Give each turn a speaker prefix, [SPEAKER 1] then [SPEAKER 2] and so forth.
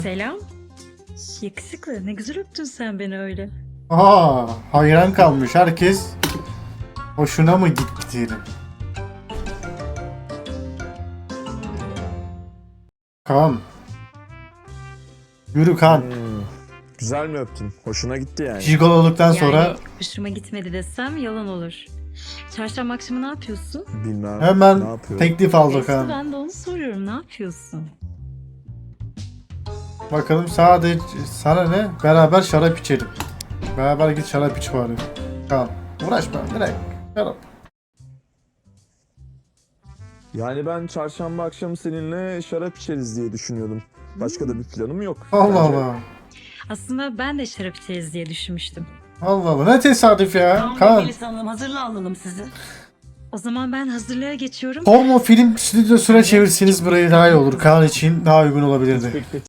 [SPEAKER 1] Selam. Yakışıklı. Ne güzel öptün sen beni öyle.
[SPEAKER 2] Hayran kalmış herkes. Hoşuna mı gitti diyelim. Kaan. Yürü Kaan.
[SPEAKER 3] Güzel mi öptün? Hoşuna gitti yani.
[SPEAKER 2] Jigololuktan sonra
[SPEAKER 1] Yani hoşuma gitmedi desem yalan olur. Çarşamba akşamı ne yapıyorsun?
[SPEAKER 3] Bilmem. Ne
[SPEAKER 2] hemen
[SPEAKER 3] yapıyor?
[SPEAKER 2] teklif aldı
[SPEAKER 1] Eski
[SPEAKER 2] Kaan.
[SPEAKER 1] ben de onu soruyorum. Ne yapıyorsun?
[SPEAKER 2] Bakalım sadece sana ne? Beraber şarap içelim. Beraber git şarap iç bari. Kaan. Uğraşma direkt. Şarap.
[SPEAKER 3] Yani ben çarşamba akşamı seninle şarap içeriz diye düşünüyordum. Başka da bir planım yok.
[SPEAKER 2] Allah
[SPEAKER 3] Bence
[SPEAKER 2] Allah.
[SPEAKER 1] Aslında ben de şarap içeriz diye düşünmüştüm.
[SPEAKER 2] Allah Allah. Ne tesadüf ya.
[SPEAKER 4] Tamam
[SPEAKER 2] Kaan.
[SPEAKER 4] Melis Hanım hazırla alalım sizi.
[SPEAKER 1] O zaman ben hazırlığa geçiyorum.
[SPEAKER 2] Porno film stüdyosuna çevirseniz burayı daha iyi olur. Kaan için daha uygun olabilirdi.
[SPEAKER 3] Peki.